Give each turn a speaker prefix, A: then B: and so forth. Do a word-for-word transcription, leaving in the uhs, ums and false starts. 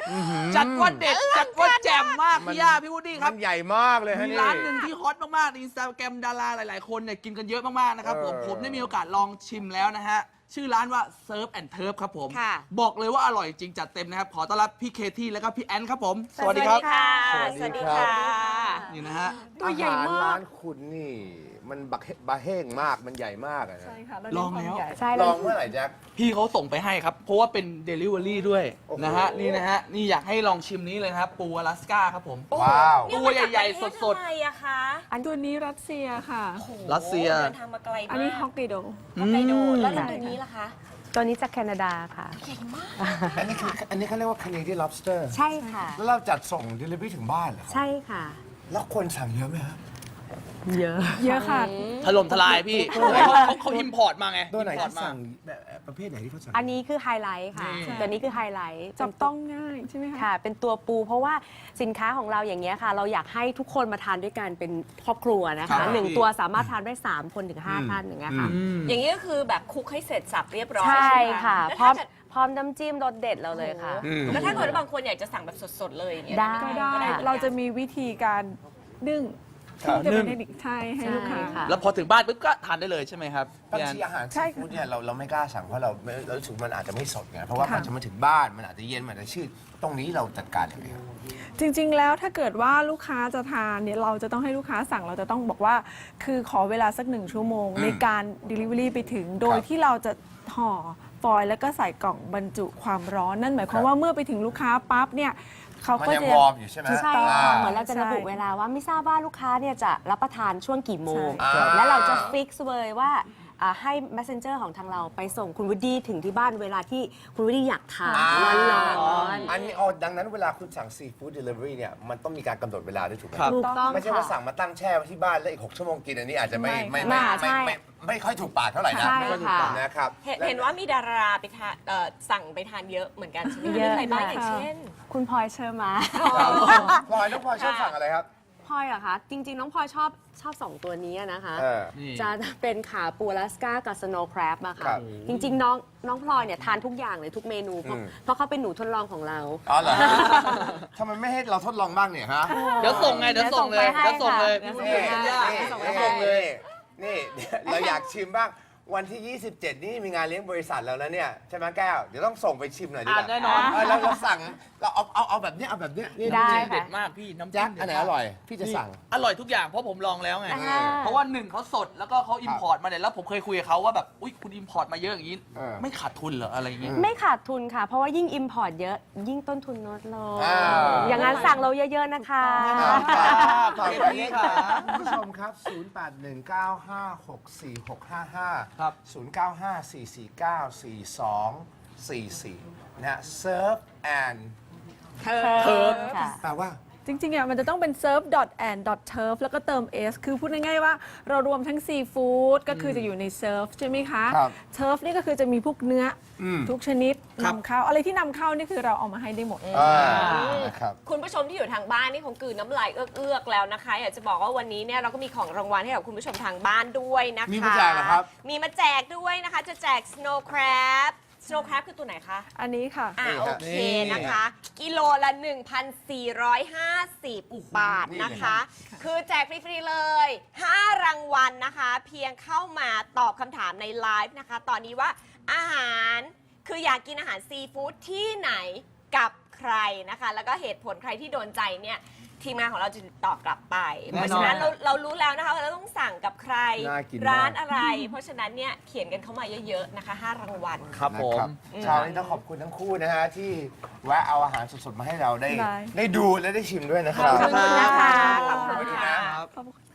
A: จัดว่าเด็ดจัดว่าแจ่มมากพี่ย่าพี่วูดดี้ค
B: มั
A: รับ
B: นใหญ่มากเลยฮะ
A: มี
B: นี่
A: ร้านหนึ่งที่ฮอตมากๆในอินสตาแกรมดาราหลายๆคนเนี่ยกินกันเยอะมากๆนะครับผม
B: เออ
A: ผมได้มีโอกาสลองชิมแล้วนะฮะชื่อร้านว่า Surf and Turf ครับผม
C: ค่ะ
A: บอกเลยว่าอร่อยจริงจัดเต็มนะครับขอต้อนรับพี่เคที่และก็พี่แอนครับผม
C: สวัสดีค่ะ
B: สวัสดีค่ะ
A: นี่นะฮะ
C: ตัวใหญ่มาก
B: อหรร้านคุณนี่มันบักเฮบะเฮงมากมันใหญ่มากอะนะ
D: ใช่ค่ะเรา
A: ล
D: เน้
A: อน ง
D: ความ
A: แล้ว
D: ใหญ่
C: ใช่
B: ล
C: เรา
B: องเมื่อไหร่แจ็ค
A: พี่เขาส่งไปให้ครับ เพราะว่าเป็น Delivery ด้วย
B: โอ้โห
A: นะฮะนี่นะฮะนี่อยากให้ลองชิมนี้เลยนะครับปูอลาสก้าครับผม
B: ว้าว
A: ตัวใหญ่ๆสดๆ
C: ๆทำไมอะคะ
D: อันตัวนี้รัสเซียค่ะ
A: รัสเซีย
C: เดินทางมาไกลมาก
D: อันนี้ฮอกไกโด
C: ฮอกไกโด
A: อืม
C: แล้วตัวนี้ล่ะคะ
E: ตัวนี้จากแคนาดาค่ะ
C: ใหญ่มาก
B: อันนี้คืออันนี้เขาเรียกว่า Canadian lobster
E: ใช่ค่ะ
B: แล้วเราจัดส่ง delivery ถึงบ้านเหรอครับ
E: ใช่ค่ะ
B: แล้วคนสั่งเยอะไหมครับ
E: เยอะ
D: เยอะค่ะ
A: ถล่มทลายพี่เขาเขาเขาอิมพอร์ตมาไง
B: ตัวไหน
A: import
B: ที่
A: มา
B: สั่งแบบประเภทไหนที่เขาสั่ง
E: อันนี้คือไฮไลท์ค่ะ
A: นี่
E: ตัวนี้คือไฮไลท์
D: จับต้องง่ายใช่ไหมคะ
E: ค่ะ เป็นตัวปูเพราะว่าสินค้าของเราอย่างเงี้ยค่ะ เราอยากให้ทุกคนมาทานด้วยกันเป็นครอบครัวนะ
A: ครั
E: คะ
A: บ
E: หนึ่งตัวสามารถทานได้สามคนถึงห้าท่านอย่างเงี้ยค่ะ
A: อืม
C: อย่างนี้ก็คือแบบคลุกให้เสร็จสับเรียบร้อย
E: ใช่
C: ใช่ไหม
E: ค่ะ
C: แล้ว
E: พร้อ
C: ถ้าม จะ
E: พร้อมน้ำจิ้มรสเด็ดเราเลยค่ะ
B: อืม
C: แล้วถ้าเกิดว่าบางคนอยากจะสั่งแบบสดๆเลยอย่างเงี้ย
E: ได้
D: ก็
C: หม
D: ได้
C: หมือนกัน
D: เราจะมีวิธีการนึ่ง
B: ครับ
D: ที่จะเป็นเทคนิคใช่ให้ลูกค้า
E: ใช่ค่ะ
A: แล้วพอถึงบ้านปุ๊บก็ทานได้เลยใช่ไหมครับ
B: บาง
A: พี่แอน
B: ทีอาหาร
D: ใช่
B: ซี
D: ค่ะ
B: ฟู้ดเนี่ยเราเราไม่กล้าสั่งเพราะเราไม่เรารู้สึกมันอาจจะไม่สดไงเพราะว่า
D: ค่ะ
B: มันจะมาถึงบ้านมันอาจจะเย็นมันอาจจะชืดตรงนี้เราจัดการยังไงครับ
D: จริงๆ แล้วถ้าเกิดว่าลูกค้าจะทานเนี่ยเราจะต้องให้ลูกค้าสั่งเราจะต้องบอกว่า คือขอเวลาสักหนึ่งชั่วโมง
B: อืม
D: ในการ Delivery ไปถึง โดย
B: ครับ
D: ที่เราจะห่อฟอยล์แล้วก็ใส่กล่องบรรจุความร้อนนั่นหมายความ
B: ครับ
D: ว่าเมื่อไปถึงลูกค้าปั๊บเนี่ยเขา
B: มัน
D: ก็
B: ยัง
D: จะ
B: วอร์มอยู่ใช่ไหม
E: ใช่
B: อ่า
E: ค่ะเหมือนเราจะระบุ
D: ใช่
E: เวลาว่าไม่ทราบว่าลูกค้าเนี่ยจะรับประทานช่วงกี่โมง
B: ใช่
E: และเราจะฟิกซ์เลยว่าอ่าให้ messenger ของทางเราไปส่งคุณวูดดี้ถึงที่บ้านเวลาที่คุณวูดดี้อยากทาน
B: อ่า
E: ร้อน
B: อันนี้อ๋อดังนั้นเวลาคุณสั่งซีฟู้ดเดลิเวอรี่เนี่ยมันต้องมีการกำหนดเวลาด้วยถูกไหม
A: ครับ
E: ๆถูกต้อง
B: ไม่ใช่ว่า
E: ค่ะ
B: สั่งมาตั้งแช่ไว้ที่บ้านแล้วอีกหกชั่วโมงกินอันนี้อาจจะไม่
D: ไม่
B: ไม่
E: ค่ะ
B: ไม่
E: ใช่
B: ไม่ไม่ไม่ค่อยถูกปากเท่าไหร่นะ
E: ใช่
B: ไม่ค่อยถูก
E: ค่ะ
B: ปากนะครับ
C: เห็น
B: และ
C: เห็นว่ามีดาราไปทานเอ่อสั่งไปทานเยอะเหมือนกันใช่ไหมคะ
E: เยอะ
C: มีใครบ้าง
E: ค่ะ
C: อย่างเช่น
E: คุณพลอยเชอร์มา
B: พลอยน้องพลอยชอบสั่งอะไรครับ
E: พลอยเหรอคะ จริง ๆ น้องพลอยชอบชอบสองตัวนี้นะคะ
B: เออ
A: นี่
E: จะเป็นขาปูอลาสก้ากับสโนว์แครบอะ
B: ครั
E: ค่ะ
B: บ
E: จริง ๆ น้องน้องพลอยเนี่ยทานทุกอย่างเลยทุกเมนู เพราะ
B: อืม
E: เพราะเขาเป็นหนูทดลองของเรา
B: อ๋อเหรอทำไมไม่ให้เราทดลองบ้างเนี่ยฮะ
A: เดี๋ยวส่งไงเดี๋ยวส่งเลย
E: เดี๋
A: เดี๋ย
E: ยว วส่
A: ส่ง
E: ง
A: เล
E: ไป
A: ย
E: ให้
A: พี่
E: ค่ะ
A: วุฒิ
B: นี่
A: พี่ย่า
E: ส่งไป
B: นี่
E: ให้
B: ส่งเลยนี่เราอยากชิมบ้างวันที่ ยี่สิบเจ็ด นี่มีงานเลี้ยงบริษัทแล้วนะเนี่ยใช่ไหมแก้วเดี๋ยวต้องส่งไปชิมหน่อยดีกว่า
A: อ่ะแน่นอน
B: เเราเราสั่งเราเอาเอาเอาแบบเนี้ยเอาแบบเนี้ยนี่
E: ได้
A: น้ำจิ้ม
E: ค่ะ
A: เด็ดมากพี่น้ำ
B: แจ็
A: จิ้
B: ค
A: มเด็ด
B: อันไหน
A: มาก
B: อร่อยพี่จะสั่ง
A: อร่อยทุกอย่างเพราะผมลองแล้วไง
E: อ่า
A: เพราะว่าหนึ่งเขาสดแล้วก็เขาอิมพอร์ตมาเนี่ยแล้วผมเคยคุยกับเขาว่าแบบอุ้ยคุณอิมพอร์ตมาเยอะอย่างนี้
B: เออ
A: ไม่ขาดทุนเหรออะไรอย่างงี้
E: ไม่ขาดทุนค่ะ เพราะว่ายิ่ง Import เยอะ ยิ่งต้นทุนลดลง
B: อ่า
E: อย่างนั้นสั่งเราเยอะ ๆ นะคะ
B: ฝาก
A: ขอบคุณ
B: ไว้
A: พี่
B: ค่ะ
A: ค่ะ
B: คุณผู้ชมครับ ศูนย์ แปด หนึ่ง เก้า ห้า หก สี่ หก ห้า ห้า
A: ครับ
B: ศูนย์ เก้า ห้า สี่ สี่ เก้า สี่ สอง สี่ สี่ นะฮะ Surf and
E: เทิร์ฟค่ะ
B: แปลว่า
D: จริงๆอ่ะมันจะต้องเป็น surf and turf แล้วก็เติม s คือพูดง่ายๆว่าเรารวมทั้งซีฟู้ดก็คือจะอยู่ใน surf ใช่ไหมคะ
B: ครับ
D: turf นี่ก็คือจะมีพวกเนื้ออ
B: ม
D: ทุกชนิด
A: ครับ
D: นำเข้าอะไรที่นำเข้านี่คือเราเอามาให้ได้หมด
B: อ่านะครับ
C: คุณผู้ชมที่อยู่ทางบ้านนี่คงกลืนน้ำลายเอื้อกๆแล้วนะคะ อยากจะบอกว่าวันนี้เนี่ยเราก็มีของรางวัลให้กับคุณผู้ชมทางบ้านด้วยนะคะ
B: มีมาแจกเหรอครับ
C: มีมาแจกด้วยนะคะ จะแจก snow crab snow crab คือตัวไหนคะ
D: อันนี้ค่ะ
C: อ่า
B: นี่
C: โอ
B: ครับ
C: เค
A: นี่
C: นะคะ กิโลละ หนึ่งพันสี่ร้อยห้าสิบ บาท
B: นี่
C: นะ
B: เลย
C: คะ คือแจกฟรี ๆ เลย ห้า รางวัลนะคะ เพียงเข้ามาตอบคำถามในไลฟ์นะคะ ตอนนี้ว่าอาหารคืออยากกินอาหารซีฟู้ดที่ไหนกับใครนะคะ แล้วก็เหตุผลใครที่โดนใจเนี่ย ทีมงานของเราจะติดต่อกลับไป
A: แน่นอน
C: เพราะฉะนั้นเราเรารู้แล้วนะคะว่าเราต้องสั่งกับใคร
B: น่ากินมาก
C: ร้านอะไร เพราะฉะนั้นเนี่ยเขียนกันเข้ามาเยอะๆนะคะ ห้า รางวัล
A: ครับผม
B: นะเช้านี้ต้องขอบคุณทั้งคู่นะฮะ ที่แวะเอาอาหารสดๆ มาให้เราได้
D: ได้
B: ได้ดูและได้ชิมด้วยนะครับ
C: ขอบคุณนะคะ ขอบ
B: ขอบ
C: คุ
B: คุณ ณ
C: ค่ะ
B: นะ
D: ขอบคุณ